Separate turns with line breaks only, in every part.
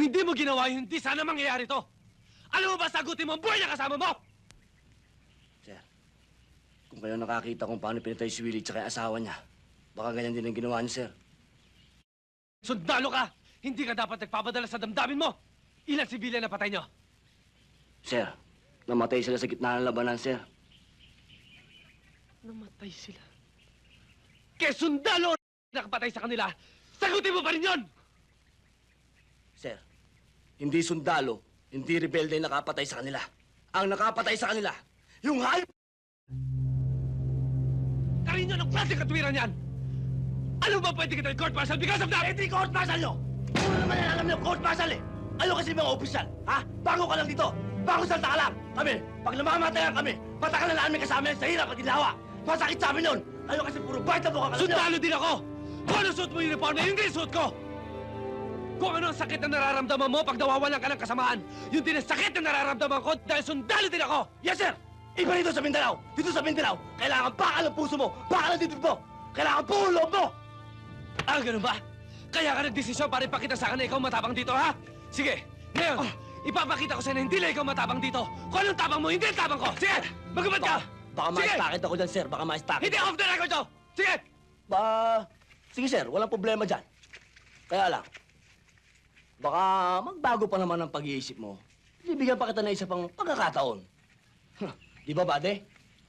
hindi mo ginawa yun, hindi sana mangyayari to. Alam mo ba, sagutin mo ang buhay na kasama mo!
Sir, kung kayo nakakita kung paano pinatay si Willie tsaka yung asawa niya, baka ganyan din ang ginawa niyo, sir.
Sundalo ka! Hindi ka dapat nagpapadala sa damdamin mo! Ilan sibilyan na patay nyo?
Sir, namatay sila sa gitna ng labanan, sir.
Namatay sila. Kaya sundalo nakapatay sa kanila, sagutin mo pa rin yun!
Sir, hindi sundalo, hindi rebelde ang nakapatay sa kanila. Ang nakapatay sa kanila, yung hayop!
Karin nyo, anong klaseng katwiran yan? Alam mo ba pwede kita i-court martial because of that?
Hindi court martial nyo! Puro naman yan alam nyo, court martial eh! Ano kasi mga opisyal, ha? Bago ka lang dito! Bago salta ka lang! Kami, pag namamatayan kami, patakalan na namin kasama yan sa hirap at ginhawa! Masakit sa amin nun! Ano kasi puro bite na buka ka lang nyo!
Sundalo din ako! Kung ano suot mo yung uniform na yun din suot ko! Kung ano ang sakit na nararamdaman mo pag nawawalan ka ng kasamaan, yun din ang sakit na nararamdaman ko dahil sundalo din ako!
Yes, sir! Iba dito sa Mindanao! Dito sa Mindanao, kailangan bakal ang puso mo! Bakal ang dibdib mo! Kailangan buo loob mo!
Ah, ganun ba? Kaya ka nagdesisyon para ipakita sa akin na ikaw matapang dito, ha? Sige, ngayon, ipapakita ko sa'yo na hindi lang ikaw matapang dito. Kung anong tapang mo, hindi ang tapang ko. Sige, magubad ka!
Baka
Sige!
ma-stacket ako dyan, sir. Baka ma-stacket.
Hindi off the record to! Sige!
Sige, sir. Walang problema dyan. Kaya lang, baka magbago pa naman ang pag-iisip mo. Bibigyan pa kita na isa pang pagkakataon. Di ba, bade?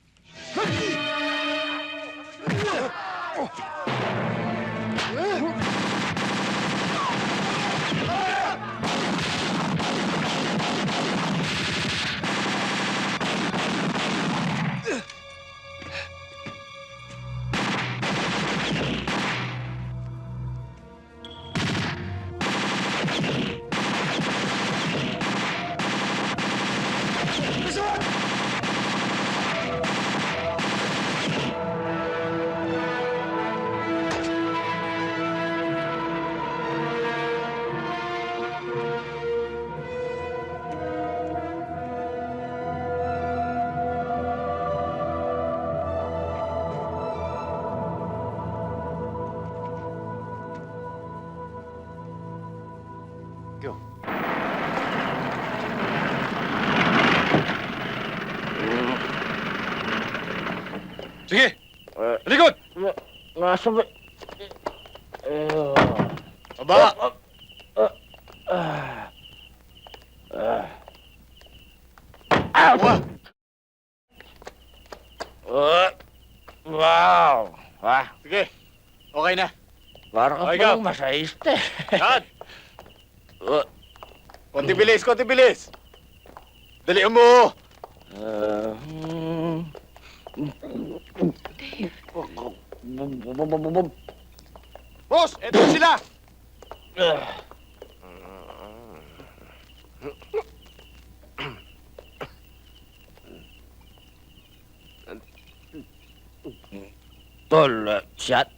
Sige! Likod!
Nasa ba?
Baba!
Wow! Wow! Ha?
Sige, okay na.
Parang
Okay,
palang
go.
masahiste.
Yan! Konti bilis, konti bilis! Dalihan mo! Boss, eto sila!
Tol, shot.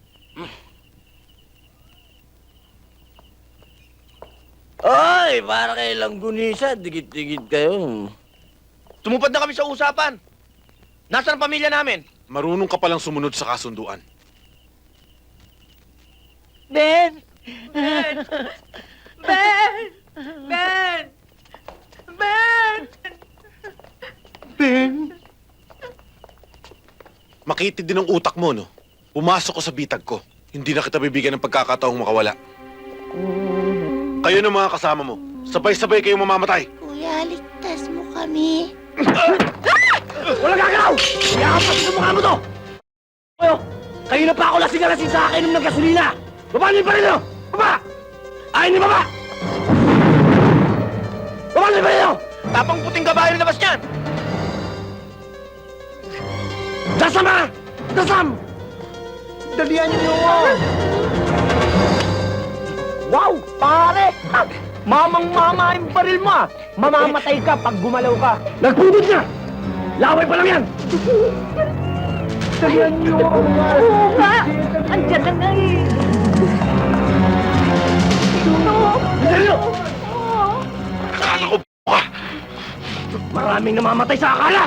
Ay, para kay Langgunisa, dikit-dikit kayo.
Tumupad na kami sa usapan. Nasaan ang pamilya namin?
Marunong ka palang sumunod sa kasunduan.
Ben! Ben! Ben! Ben! Ben!
Ben! Makitid din ang utak mo, no? Pumasok ko sa bitag ko. Hindi na kita bibigyan ng pagkakataong makawala. Kayo ng mga kasama mo. Sabay-sabay kayong mamamatay.
Kuya, ligtas mo kami.
Walang gagalaw! Yakap sa mukha mo to! Kayo na pa ako lasing-lasing sa akin ng gasolina! Baba niyo pa rin nyo! Baba! Ayaw niyo baba! Baba niyo pa rin nyo!
Tapang puting kabayo na labas niyan.
Dasam ha! Dasam! Dalihan niyo ako! Wow! Pare! Mamang-mama yung baril mo ah! Mamamatay ka pag gumalaw ka! Nagpudod na! Laway pa lang yan! Dalihan niyo ako!
Oo nga! Andiyan na nga eh!
Dalihan niyo!
Akala ko ka!
Maraming namamatay sa akala!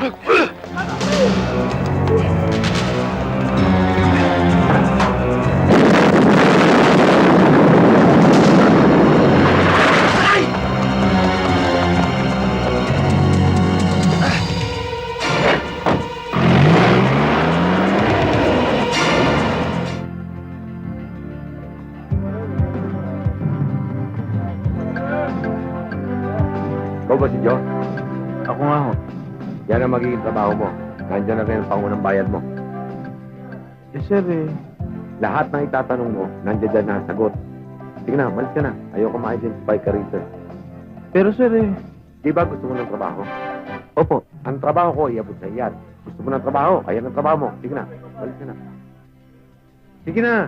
ba si Joe?
Ako nga ho.
Yan ang magiging trabaho mo. Nandiyan na rin ang pangunang bayad mo.
Eh, sir, eh.
Lahat ng itatanong mo, nandiyan dyan na ang sagot. Sige na, malis ka na. Ayoko ma-identify ka rito.
Pero, sir, eh.
Di ba gusto mo ng trabaho?
Opo.
Ang trabaho ko, iabot sa iyan. Gusto mo ng trabaho, ayan ang trabaho mo. Sige na, malis ka na. Sige na!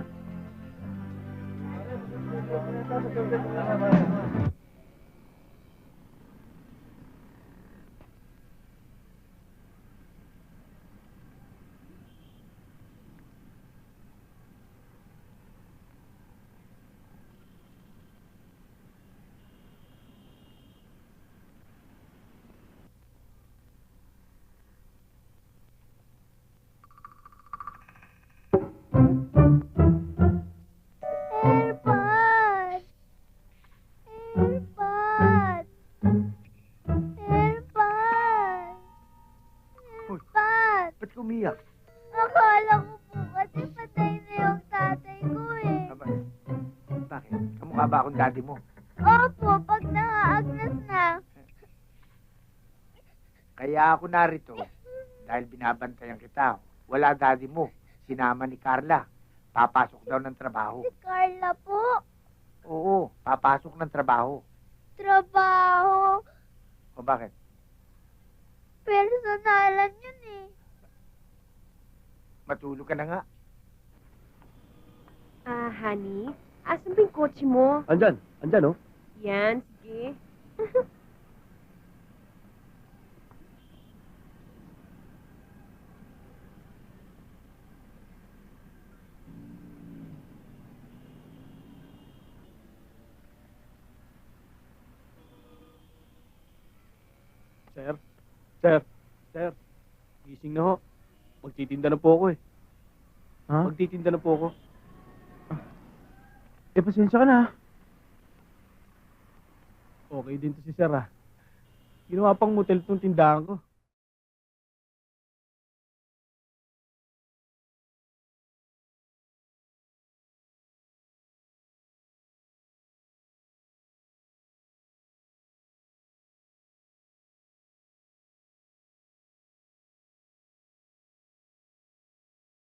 Airpod! Airpod! Airpod! Airpod!
Ba't umiyak?
Akala ko po kasi patay na yung tatay ko eh.
Bakit? Kamukha ba akong daddy mo?
Opo, pag nakaagnas na.
Kaya ako narito dahil binabantayan kita. Wala daddy mo. Sinama ni Carla. Papasok daw ng trabaho.
Si Carla po.
Oo, papasok ng trabaho.
Trabaho.
O bakit?
Personalan yun eh.
Matulog ka na nga.
Honey, asan ba yung kotse mo?
Andyan, oh.
Yan, sige.
Sir. Gising na ho. Magtitinda na po ako eh.
Ha?
Magtitinda na po ako. Eh, pasensya ka na. Okay din to si Sir ah. Ginawa pang motel tong tindahan ko.